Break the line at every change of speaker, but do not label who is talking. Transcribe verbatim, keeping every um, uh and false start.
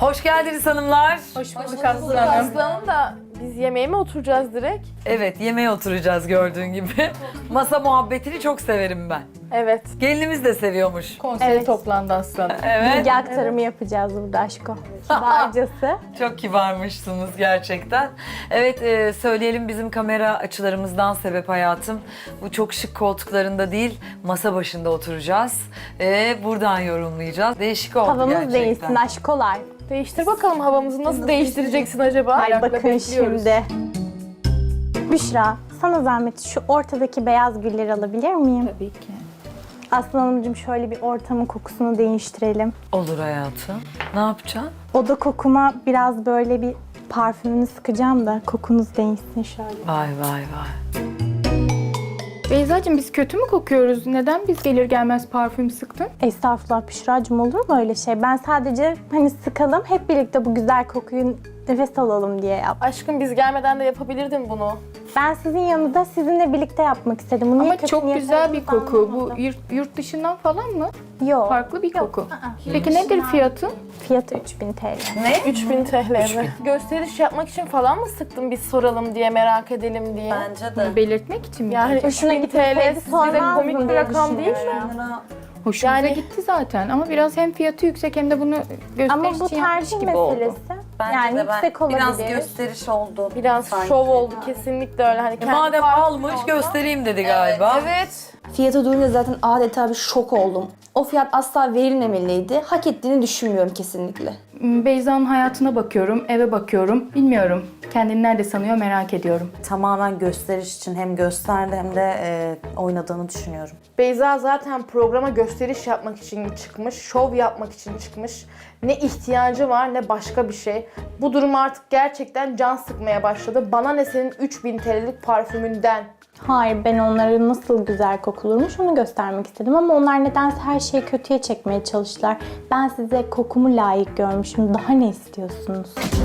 Hoş geldiniz hanımlar.
Hoş bulduk Aslı Hanım.
Aslı Hanım da biz yemeğe mi oturacağız direkt?
Evet, yemeğe oturacağız gördüğün gibi. Masa muhabbetini çok severim ben.
Evet.
Gelinimiz de seviyormuş.
Konsey
Evet.
toplandı Aslı Hanım.
Evet.
Bilgi aktarımı yapacağız burada aşko. Kibarcası.
Çok kibarmışsınız gerçekten. Evet, e, söyleyelim bizim kamera açılarımızdan sebep hayatım. Bu çok şık koltuklarında değil, masa başında oturacağız. E, buradan yorumlayacağız. Değişik oldu
Havamız
gerçekten.
değilsin aşkolar.
Değiştir bakalım havamızı nasıl değiştireceksin acaba?
Ay
Merakla
bakın
bekliyoruz.
şimdi. Büşra, sana zahmet şu ortadaki beyaz gülleri alabilir miyim?
Tabii ki.
Aslı Hanımcığım şöyle bir ortamın kokusunu değiştirelim.
Olur hayatım. Ne yapacaksın?
Oda kokuma biraz böyle bir parfümünü sıkacağım da kokunuz değişsin şöyle.
Vay vay vay.
Beyzacığım biz kötü mü kokuyoruz? Neden biz gelir gelmez parfüm sıktın?
Estağfurullah Büşra'cığım, olur mu öyle şey? Ben sadece hani sıkalım, hep birlikte bu güzel kokuyu nefes alalım diye yaptım.
Aşkım biz gelmeden de yapabilirdin bunu.
Ben sizin yanında sizinle birlikte yapmak istedim. Bunu niye
Ama
kötü
çok
niyet
güzel bir
aldığınızı
koku. Bu
anlamadım.
yurt, yurt dışından falan mı?
Yok.
Farklı bir koku.
Aa,
Peki nedir fiyatı?
Fiyatı üç bin T L.
Ne?
üç bin T L mi? Gösteriş yapmak için falan mı sıktın biz soralım diye, merak edelim diye?
Bence
Bunu belirtmek için mi?
Yani üç
Hoşuna
bin T L
gitseydi
size
sormazdım
komik bir
diye
rakam değil mi?
düşünüyorum.
Hoşumuza
Yani-
gitti zaten ama biraz hem fiyatı yüksek hem de bunu gösteriş
Ama bu
için yapmış
tercih
gibi oldu.
meselesi.
Bence
yani
de ben
yüksek olabilir.
biraz gösteriş oldu.
Biraz
sanki.
şov oldu kesinlikle öyle. Hani
E,
kendi
madem
farkı
almış
olsa-
göstereyim dedi galiba.
Evet.
Fiyata duyunca zaten adeta bir şok oldum. O fiyat asla verilmemeliydi. Hak ettiğini düşünmüyorum kesinlikle.
Beyza'nın hayatına bakıyorum, eve bakıyorum. Bilmiyorum. Kendini nerede sanıyor merak ediyorum.
Tamamen gösteriş için hem gösterdi hem de e, oynadığını düşünüyorum.
Beyza zaten programa gösteriş yapmak için çıkmış, şov yapmak için çıkmış. Ne ihtiyacı var ne başka bir şey. Bu durum artık gerçekten can sıkmaya başladı. Bana ne senin üç bin T L'lik parfümünden.
Hayır, ben onları nasıl güzel kokulurmuş onu göstermek istedim ama onlar nedense her şeyi kötüye çekmeye çalıştılar. Ben size kokumu layık görmüşüm. Daha ne istiyorsunuz?